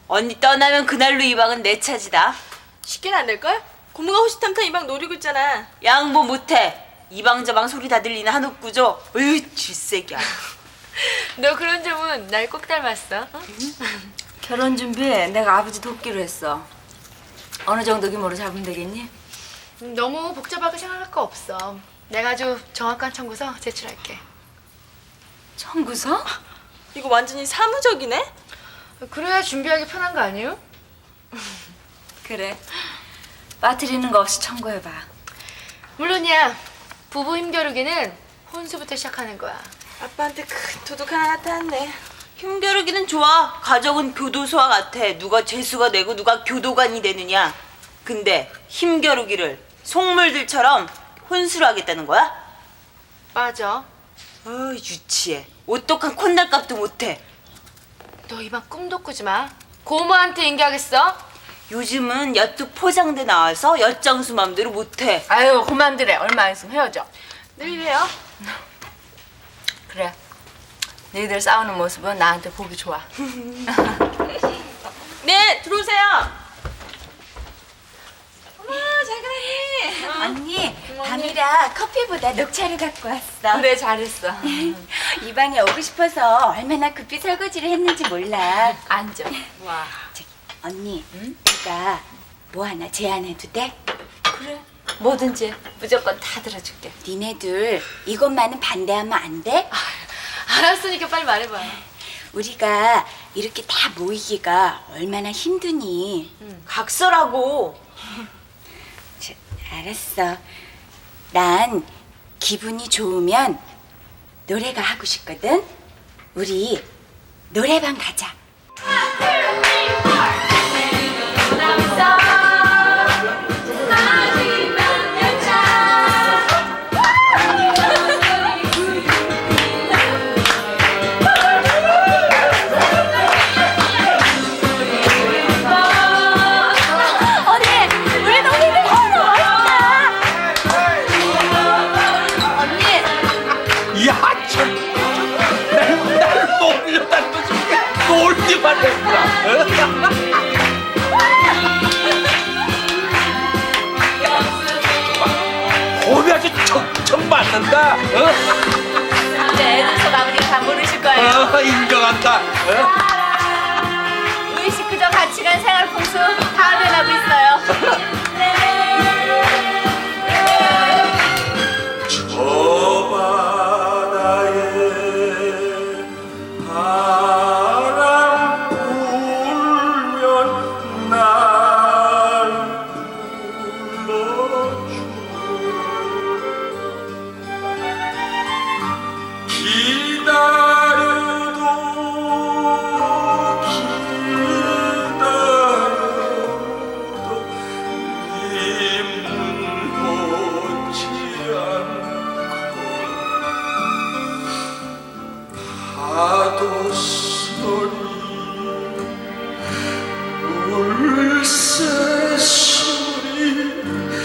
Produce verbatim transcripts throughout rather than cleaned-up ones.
언니 떠나면 그날로 이 방은 내 차지다. 쉽게는 안 될걸? 고모가 호시탐탐 이 방 노리고 있잖아. 양보 못해. 이 방 저 방 소리 다 들리는 한옥구조. 으이 쥐새끼야. 너 그런 점은 날 꼭 닮았어. 어? 결혼 준비 내가 아버지 돕기로 했어. 어느 정도 규모로 잡으면 되겠니? 음, 너무 복잡하게 생각할 거 없어. 내가 아주 정확한 청구서 제출할게. 청구서? 이거 완전히 사무적이네? 그래야 준비하기 편한 거 아니에요? 그래. 빠뜨리는 거 없이 청구해봐. 물론이야. 부부 힘겨루기는 혼수부터 시작하는 거야. 아빠한테 큰 도둑 하나 나타났네. 힘겨루기는 좋아. 가족은 교도소와 같아. 누가 죄수가 되고 누가 교도관이 되느냐. 근데 힘겨루기를 속물들처럼 혼수로 하겠다는 거야? 맞아. 어 유치해. 오똑한 콧날값도 못해. 너 이만 꿈도 꾸지 마. 고모한테 인계하겠어? 요즘은 엿도 포장돼 나와서 엿장수 맘대로 못해. 아유 그만두래. 얼마 안 있으면 헤어져. 늘 이래요. 그래. 너희들 싸우는 모습은 나한테 보기 좋아. 네, 들어오세요. 언니, 밤이라 커피보다 녹차를 갖고 왔어. 그래 잘했어. 이 방에 오고 싶어서 얼마나 급히 설거지를 했는지 몰라. 앉아. 와. 저기, 언니, 내가 뭐 하나 제안해도 돼? 그래. 뭐든지 무조건 다 들어줄게. 니네들 이것만은 반대하면 안 돼? 알았으니까 빨리 말해봐. 우리가 이렇게 다 모이기가 얼마나 힘드니? 각서라고. 저, 알았어. 난 기분이 좋으면 노래가 하고 싶거든. 우리 노래방 가자. 야, 참! 날, 날 놀려다는 거지. 놀기만 했구나. 홈이 아주 척척 맞는다. 어? 네, 애들 속 아버지가 다 모르실 거예요. 어, 인정한다. 어? 의식 그저 가치관 생활 풍수 다 변하고 있어요. 저 바다에 바람 불면 날 불러줘. 기다려도 기다려도 님 오지 않고 파도 소리 물새 소리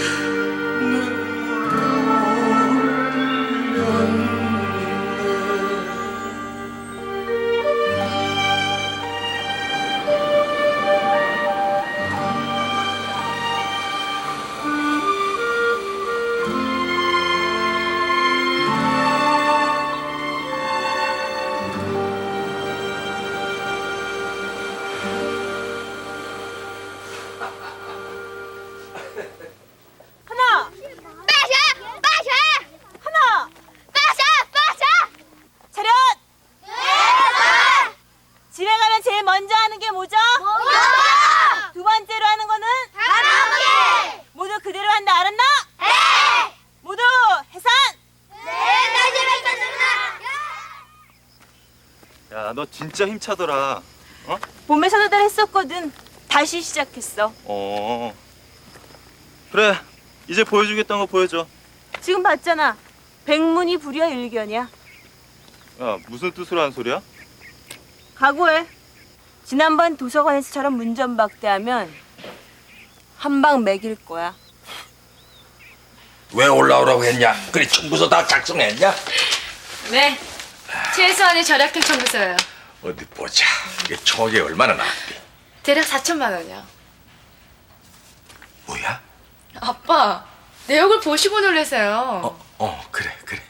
눈물 흘렸네. 차렷! 집에 가면 제일 먼저 하는 게 뭐죠? 두 번째로 하는 거는? 모두 그대로 한다 알았나? 모두 해산! 야, 너 진짜 힘차더라. 어? 몸에서 도달 했었거든. 다시 시작했어. 어. 그래, 이제 보여주겠다는 거 보여줘. 지금 봤잖아. 백문이 불여 일견이야. 야, 무슨 뜻으로 한 소리야? 각오해. 지난번 도서관에서처럼 문전박대하면 한 방 먹일 거야. 왜 올라오라고 했냐? 그래 청구서 다 작성했냐? 네. 최소한의 절약될 청구서예요. 어디 보자. 이게 총액이 얼마나 나왔게? 대략 사천만 원이요. 뭐야? 아빠, 내 얼굴 보시고 놀라세요. 어, 어 그래 그래.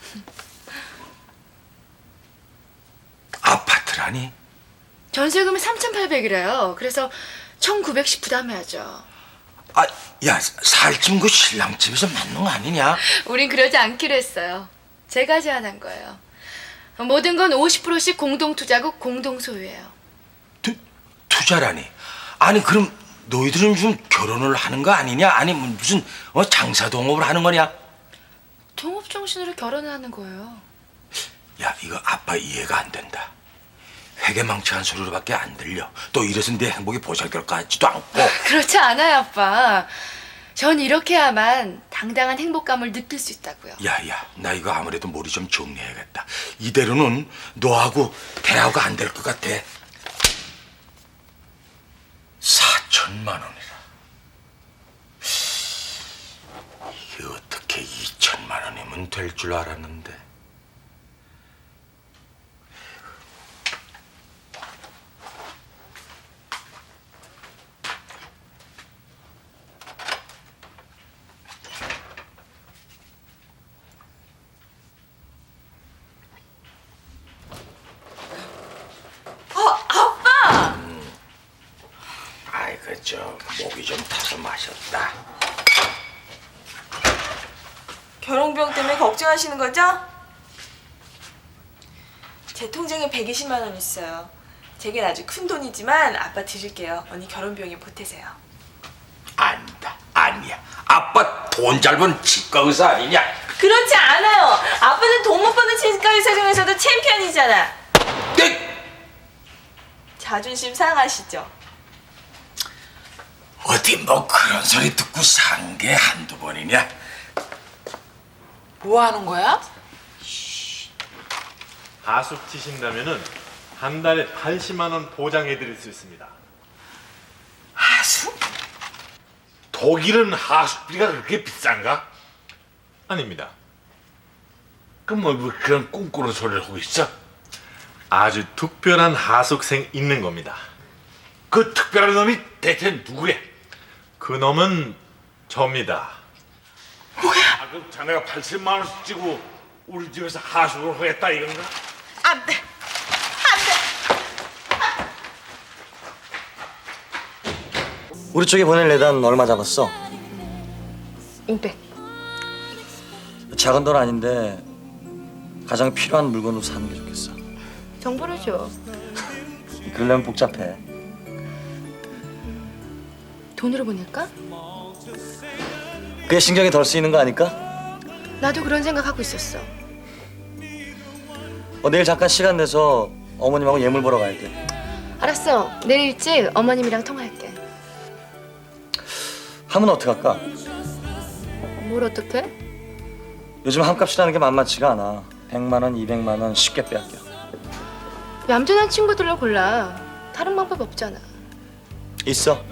아파트라니? 전세금이 삼천팔백이래요. 그래서 천구백씩 부담해야죠. 아, 야 살찜 그 신랑 집에서 맞는 거 아니냐? 우린 그러지 않기로 했어요. 제가 제안한 거예요. 모든 건 오십 퍼센트씩 공동 투자고 공동 소유예요. 투, 투자라니? 아니 그럼 너희들은 좀 결혼을 하는 거 아니냐? 아니 뭐 무슨 어, 장사 동업을 하는 거냐? 동업 정신으로 결혼을 하는 거예요. 야 이거 아빠 이해가 안 된다. 회개망치한 소리로밖에 안 들려. 또 이래서 내 행복이 보잘것 같지도 않고. 그렇지 않아요, 아빠. 전 이렇게 해야만 당당한 행복감을 느낄 수 있다고요. 야야 나 이거 아무래도 머리 좀 정리해야겠다. 이대로는 너하고 대화가 안 될 것 같아. 사천만 원이라. 이게 어떻게 이천만 원이면 될 줄 알았는데. 아이고 저 목이 좀 타서 마셨다. 결혼비용 때문에 걱정하시는 거죠? 제 통장에 백이십만 원 있어요. 제겐 아주 큰 돈이지만 아빠 드릴게요. 언니 결혼비용에 보태세요. 아니다 아니야. 아빠 돈 잘 번 치과 의사 아니냐? 그렇지 않아요. 아빠는 돈 못 버는 치과 의사 중에서도 챔피언이잖아. 네. 자존심 상하시죠? 어디 뭐 그런 소리 듣고 산 게 한두 번이냐? 뭐 하는 거야? 하숙 치신다면은 한 달에 팔십만 원 보장해 드릴 수 있습니다. 하숙? 독일은 하숙비가 그렇게 비싼가? 아닙니다. 그럼 뭐 그런 꿈꾸는 소리를 하고 있어? 아주 특별한 하숙생 있는 겁니다. 그 특별한 놈이 대체 누구야? 그 놈은 접니다. 아, 그럼 자네가 팔십만 원씩 찌고 우리 집에서 하숙을 하겠다 이건가? 안 돼. 우리 쪽에 보낼 예단 얼마 잡았어? 오백. 작은 돈 아닌데 가장 필요한 물건으로 사는 게 좋겠어. 정보를 줘. 그러려면 복잡해. 돈으로 보낼까? 그게 신경이 덜 쓰이는 거 아닐까? 나도 그런 생각하고 있었어. 어, 내일 잠깐 시간 내서 어머님하고 예물 보러 가야 돼. 알았어. 내일 일찍 어머님이랑 통화할게. 하면 어떡할까? 뭘 어떡해? 요즘 함값이라는 게 만만치가 않아. 백만 원, 이백만 원 쉽게 빼앗겨. 얌전한 친구들로 골라. 다른 방법 없잖아. 있어.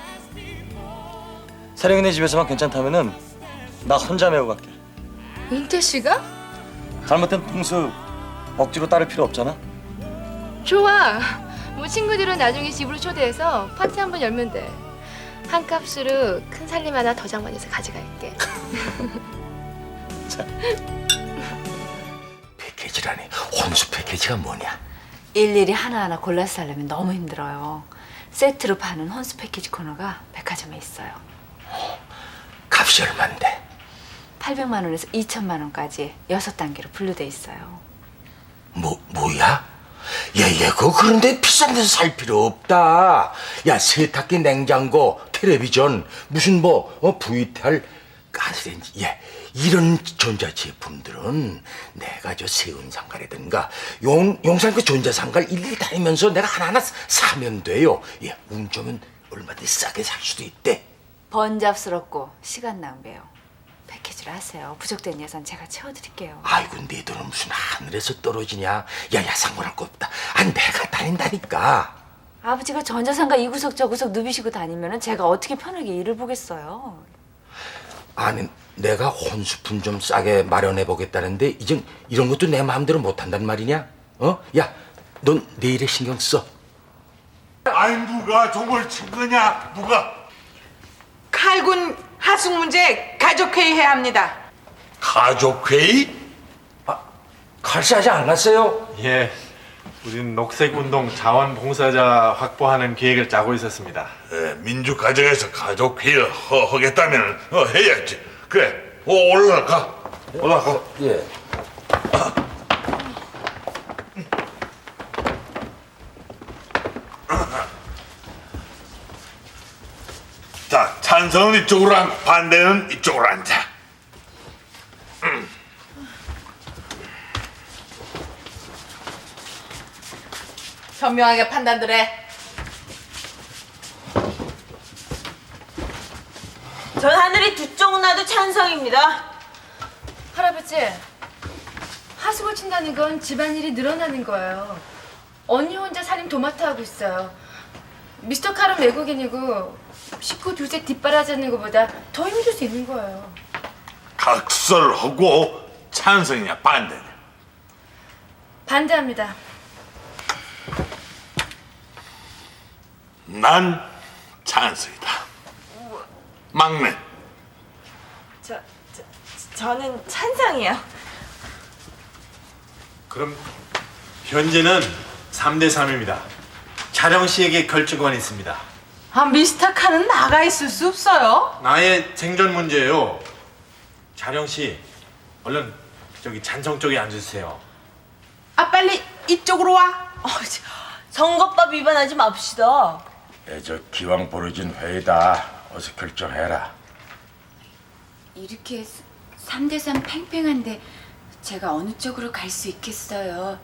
사령이네 집에서만 괜찮다면은 나 혼자 메고 갈게. 은태 씨가? 잘못된 풍습 억지로 따를 필요 없잖아. 좋아. 뭐 친구들은 나중에 집으로 초대해서 파티 한번 열면 돼. 한 값으로 큰 살림 하나 더 장만해서 가져갈게. 패키지라니. 혼수 패키지가 뭐냐? 일일이 하나하나 골라서 살려면 너무 힘들어요. 세트로 파는 혼수 패키지 코너가 백화점에 있어요. 값이 얼만데? 팔백만 원에서 이천만 원까지 여섯 단계로 분류돼 있어요. 뭐 뭐야? 야야 그거 그런데 비싼 데서 살 필요 없다. 야 세탁기, 냉장고, 텔레비전, 무슨 뭐 어, 브이티알, 가스레인지, 야 이런 전자제품들은 내가 저 세운상가라든가 용 용산 그 전자상가를 일일이 다니면서 내가 하나하나 사면 돼요. 야 운 좋으면 얼마든지 싸게 살 수도 있대. 번잡스럽고 시간 낭비예요. 패키지로 하세요. 부족된 예산 제가 채워드릴게요. 아이고 네 돈은 무슨 하늘에서 떨어지냐? 야야 상관할 거 없다. 아 내가 다닌다니까. 아버지가 전자상가 이 구석 저 구석 누비시고 다니면 제가 어떻게 편하게 일을 보겠어요. 아니 내가 혼수품 좀 싸게 마련해 보겠다는데 이젠 이런 것도 내 마음대로 못 한단 말이냐? 어? 야, 넌 내일에 신경 써. 아니 누가 종을 친 거냐? 누가? 칼군 하숙 문제 가족회의 해야 합니다. 가족회의? 칼싸지 않았어요? 예, 우린 녹색운동 자원봉사자 확보하는 계획을 짜고 있었습니다. 에, 민주가정에서 가족회의를 허, 하겠다면 어, 해야지. 그래, 어, 올라가. 올라가. 예. 자, 찬성은 이쪽으로 앉고 반대는 이쪽으로 앉아. 현명하게 판단들 해. 전 하늘이 두 쪽 나도 찬성입니다. 할아버지, 하숙을 친다는 건 집안일이 늘어나는 거예요. 언니 혼자 살림 도맡아 하고 있어요. 미스터 칼은 외국인이고 식구 둘째 뒷바라지는 것보다 더 힘들 수 있는 거예요. 각설하고 찬성이냐 반대냐? 반대합니다. 난 찬성이다. 막내. 저, 저 저는 찬성이요. 그럼 현재는 삼 대 삼입니다. 자령 씨에게 결정권이 있습니다. 아, 미스터 칼은 나가 있을 수 없어요. 나의 생존 문제예요. 자령 씨, 얼른 저기 찬성 쪽에 앉으세요. 아, 빨리 이쪽으로 와. 어, 저, 선거법 위반하지 맙시다. 예, 저 기왕 벌어진 회의다. 어서 결정해라. 이렇게 삼 대 삼 팽팽한데 제가 어느 쪽으로 갈 수 있겠어요?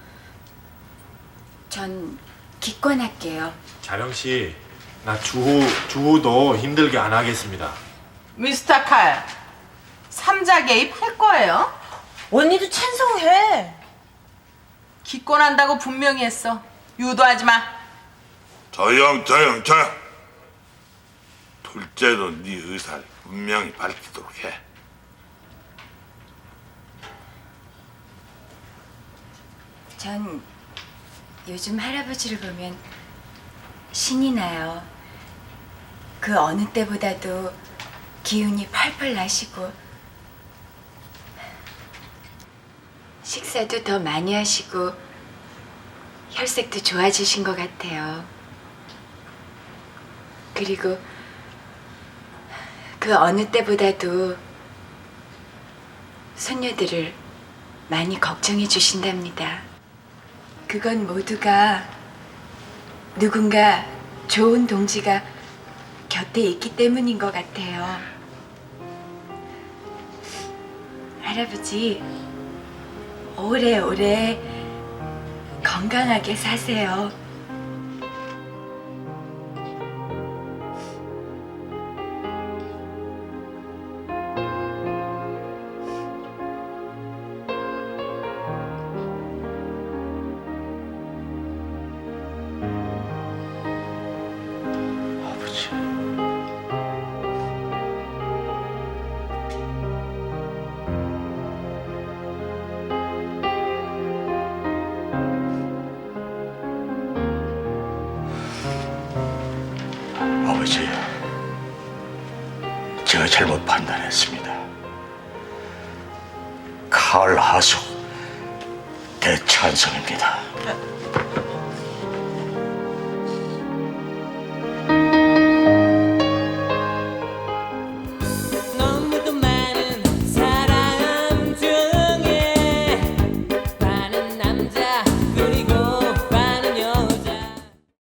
전 기권할게요. 자령 씨, 나 주호 주호도 힘들게 안 하겠습니다. 미스터 칼, 삼자 개입할 거예요? 언니도 찬성해. 기권한다고 분명히 했어. 유도하지 마. 조용 조용 조용. 둘째도 네 의사를 분명히 밝히도록 해. 전 요즘 할아버지를 보면 신이 나요. 그 어느 때보다도 기운이 펄펄 나시고 식사도 더 많이 하시고 혈색도 좋아지신 것 같아요. 그리고 그 어느 때보다도 손녀들을 많이 걱정해 주신답니다. 그건 모두가 누군가 좋은 동지가 곁에 있기 때문인 것 같아요. 할아버지, 오래오래 건강하게 사세요. 아버지. 아버지, 제가 잘못 판단했습니다. 칼 하숙 대찬성입니다.